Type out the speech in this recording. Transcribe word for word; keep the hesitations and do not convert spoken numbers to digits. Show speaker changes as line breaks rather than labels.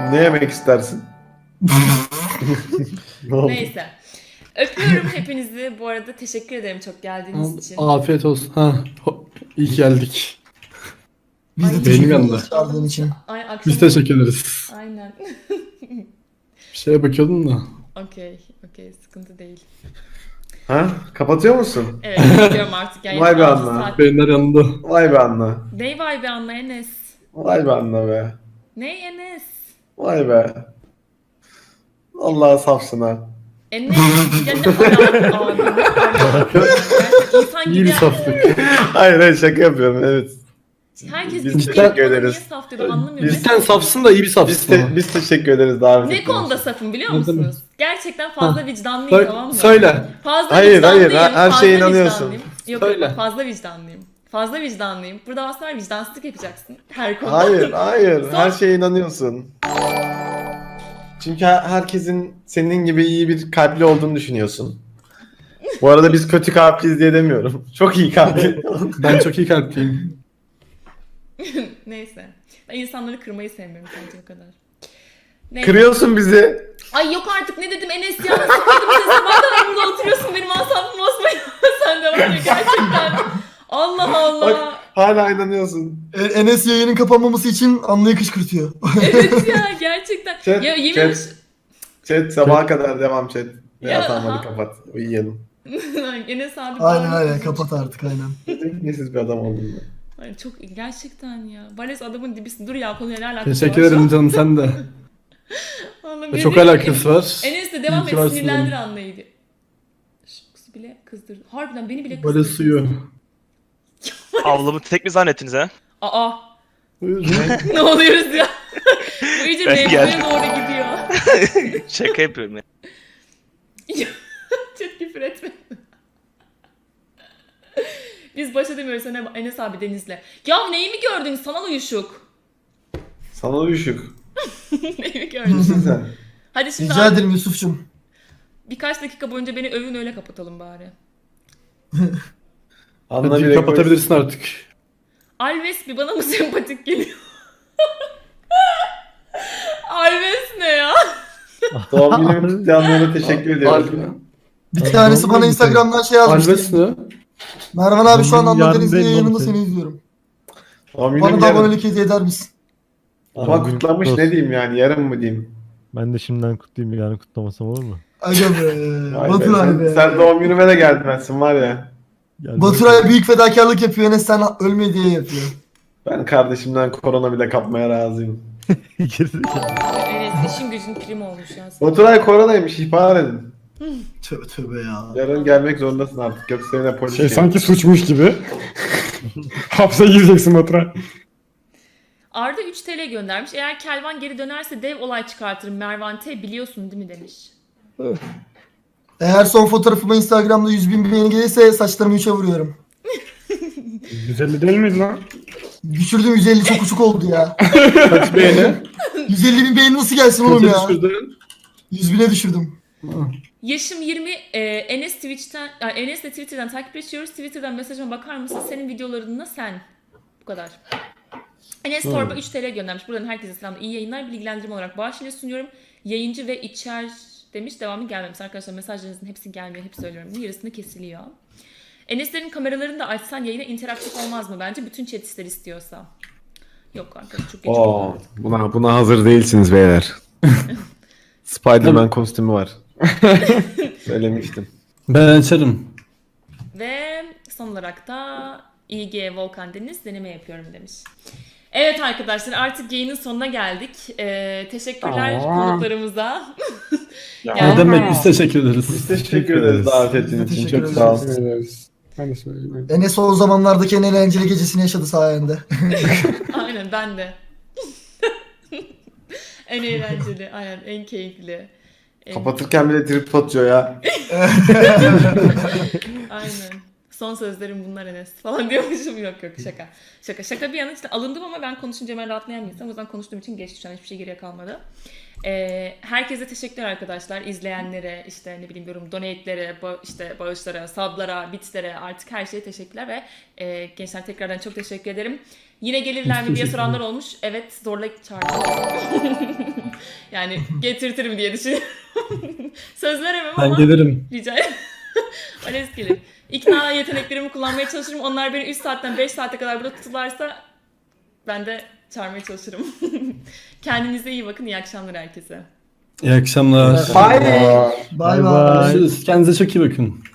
Ne yemek istersin? Ne oldu?
Neyse. Öpüyorum hepinizi. Bu arada teşekkür ederim çok geldiğiniz için.
Afiyet olsun. Ha, ho- iyi ki geldik.
Biz de
Ay,
teşekkür
benim
ederiz
yanında.
çağırdığın için.
Ay, akşam...
Biz teşekkür ederiz.
Aynen.
Bir şeye bakıyordum da.
Okey. Okey. Sıkıntı değil.
Ha? Kapatıyor musun?
Evet. Gidiyorum artık. Yani
Vay be
altı
Anna.
saat-
Beyinler yanında.
Vay be Anna.
Ney vay be Anna Enes?
Vay be Anna be.
Ney Enes?
Vay be. Allah safsın ha.
Enes. Ya ne alaka abi? Ne alaka? Gerçekten insan
İyi
gibi
bir
yani.
saflık.
Hayır hayır şaka yapıyorum evet.
Herkes
Biz
bir
teşekkür
bana
ederiz.
Niye saf diyor anlamıyorum.
Biz-
Ne-
Sen safsın da iyi bir
Biz,
safsın.
te- biz teşekkür ederiz davet
Ne
ettiğiniz
konuda
için.
safım biliyor
Ne demek?
musunuz? Gerçekten fazla
Ha.
vicdanlıyım tamam mı?
Söyle.
Fazla
Hayır,
vicdanlıyım.
hayır, her
fazla
şeye inanıyorsun.
vicdanlıyım. Yok
Söyle.
yok fazla vicdanlıyım. Fazla vicdanlıyım. Burada aslında vicdansızlık yapacaksın. Her konuda.
Hayır hayır
Son-
her şeye inanıyorsun. Çünkü her- herkesin senin gibi iyi bir kalpli olduğunu düşünüyorsun. Bu arada biz kötü kalpliyiz diye demiyorum. Çok iyi kalpli.
Ben çok iyi kalpliyim.
Neyse. Ben insanları kırmayı sevmiyorum sadece o kadar. Neyse.
Kırıyorsun bizi.
Ay yok artık ne dedim Enes ya. Nasıl kırdım seni? Sabah kadar burada oturuyorsun. Benim asabımı bozmayın. Sen de var ya gerçekten. Allah Allah.
Bak hala inanıyorsun.
E- Enes yayının kapanmaması için Anlı'yı kışkırtıyor.
Evet ya gerçekten.
Chat,
ya yemin
chat.
ederim.
Chat sabaha kadar devam chat.
Ya,
Ya tamam
ha.
hadi kapat. Uyuyalım.
Enes abi.
aynen
bağırıyor.
aynen kapat artık aynen.
Nesiz bir adam oldum ben.
Ay, çok gerçekten ya. Vales adamın dibisin. Dur ya konuya ne alakası
Teşekkür
var?
ederim canım sen de.
Vallahi
Ve çok
bir-
alakası var.
Enes de devam
İyi ki
et
varsın
sinirlendir
canım.
anlaydı. Şu kızı bile kızdırdı. Harbiden beni bile
Böyle
kızdırdı.
suyu.
Ablamı tek mi zannettiniz ha?
Aa
Buyurun.
ne oluyoruz ya? Bu iyice
Ben
mevzuya
geldim.
doğru gidiyor.
Şaka yapıyorum ya.
Çok küfür etme. Biz baş edemiyoruz sana Enes abi Deniz'le. Ya neyi mi gördün sanal uyuşuk?
Sana uyuşuk.
Neyi mi gördün?
Kimsin sen?
Hadi şimdi
Rica
abi,
ederim Yusuf'cum.
birkaç dakika boyunca beni övün öyle kapatalım bari.
Anla
Hadi
bir
kapatabilirsin artık.
Alves bir bana mı sempatik geliyor? Alves ne ya?
Doğum günümü kutlayanlara teşekkür ediyorum.
Bir tanesi bana Instagram'dan şey
Alves
yazmıştı.
ne?
Mervan abi şu an
Yarın
Anlı Deniz'in
belli
yayınında
olacak.
seni izliyorum.
Doğum günüm
Bana da
yarın.
abonelik hediye eder misin?
Ama
Doğum günün
kutlamış
kutlu
ne
olsun.
diyeyim yani yarın mı diyeyim?
Ben de şimdiden kutlayayım yani kutlamasam olur mu?
Aga be.
Vay be,
Baturay
sen,
be.
sen doğum günüme de gelmezsin var ya.
Gel
Baturay büyük fedakarlık yapıyor. Enes sen ölme diye yapıyor.
Ben kardeşimden korona bile kapmaya razıyım.
Gerizekalı.
Enes işin gücün prim olmuş ya.
Baturay koronaymış ihbar edin.
Tövbe tövbe ya.
Yarın gelmek zorundasın artık yoksa yine polis
Şey
gelir.
sanki suçmuş gibi. Hapse gireceksin Baturay.
Arda üç T L göndermiş. Eğer Kelvan geri dönerse dev olay çıkartırım Mervan T biliyorsun değil mi demiş.
Eğer son fotoğrafıma Instagram'da yüz bin beğeni gelirse saçlarımı üçe vuruyorum.
yüz elli değil miydi lan?
Düşürdüm yüz elli çok uçuk oldu ya.
Kaç beğeni?
yüz elli bin beğeni nasıl gelsin oğlum
Kaça
ya?
düşürdün?
yüz bine düşürdüm.
Yaşım yirmi. E, Enes Twitch'ten, yani Enes'le Twitter'dan takipleşiyoruz. Twitter'dan mesajıma bakar mısın? Senin videolarında sen. Bu kadar. Enes Torba üç T L göndermiş. Buradan herkese selamlar. İyi yayınlar. Bilgilendirme olarak bağış ile sunuyorum. Yayıncı ve içer demiş. Devamı gelmemiş. Arkadaşlar mesajlarınızın hepsi gelmiyor. Hep söylüyorum. Yarısını kesiliyor. Enes'lerin kameralarını da açsan yayına interaktif olmaz mı bence? Bütün chat ister istiyorsa. Yok arkadaş çok geç
Oo,
oldu.
buna, buna hazır değilsiniz beyler. Spider-Man kostümü var. Söylemiştim.
Ben açarım.
Ve son olarak da İ G Volkan Deniz deneme yapıyorum demiş. Evet arkadaşlar artık yayının sonuna geldik. Ee, teşekkürler
Aa.
konuklarımıza.
Ya.
Yani-
Ne demek biz teşekkür ederiz.
Biz teşekkür ederiz davet ettiğiniz için.
Teşekkür
Çok sağ olun.
Teşekkür ederiz. Ben de söyleyeyim.
Enes o zamanlardaki en eğlenceli gecesini yaşadı sayende.
Aynen ben de. En eğlenceli, aynen en keyifli. En...
Kapatırken bile trip atıyor ya.
Aynen. Son sözlerim bunlar Enes falan diyormuşum. Yok yok şaka. Şaka şaka bir yana işte alındım ama ben konuşunca hemen rahatlayan bir insanım. O yüzden konuştuğum için geçti şu an hiçbir şey geriye kalmadı. Ee, herkese teşekkürler arkadaşlar. İzleyenlere, işte ne bileyim yorum, donate'lere, ba- işte bağışlara, sablara, bitslere artık her şeye teşekkürler ve e, gençler tekrardan çok teşekkür ederim. Yine gelirler mi diye soranlar olmuş. Evet, zorla çağırdım. Yani getirtirim diye düşünüyorum. Söz veremem
Ben
ama
gelirim.
rica ederim. Ales gelir. İkna yeteneklerimi kullanmaya çalışırım. Onlar beni üç saatten beş saate kadar burada tutularsa ben de çağırmaya çalışırım. Kendinize iyi bakın. İyi akşamlar herkese.
İyi akşamlar.
Bye.
Bay
Bay
bay.
bay.
Görüşürüz. Kendinize çok iyi bakın.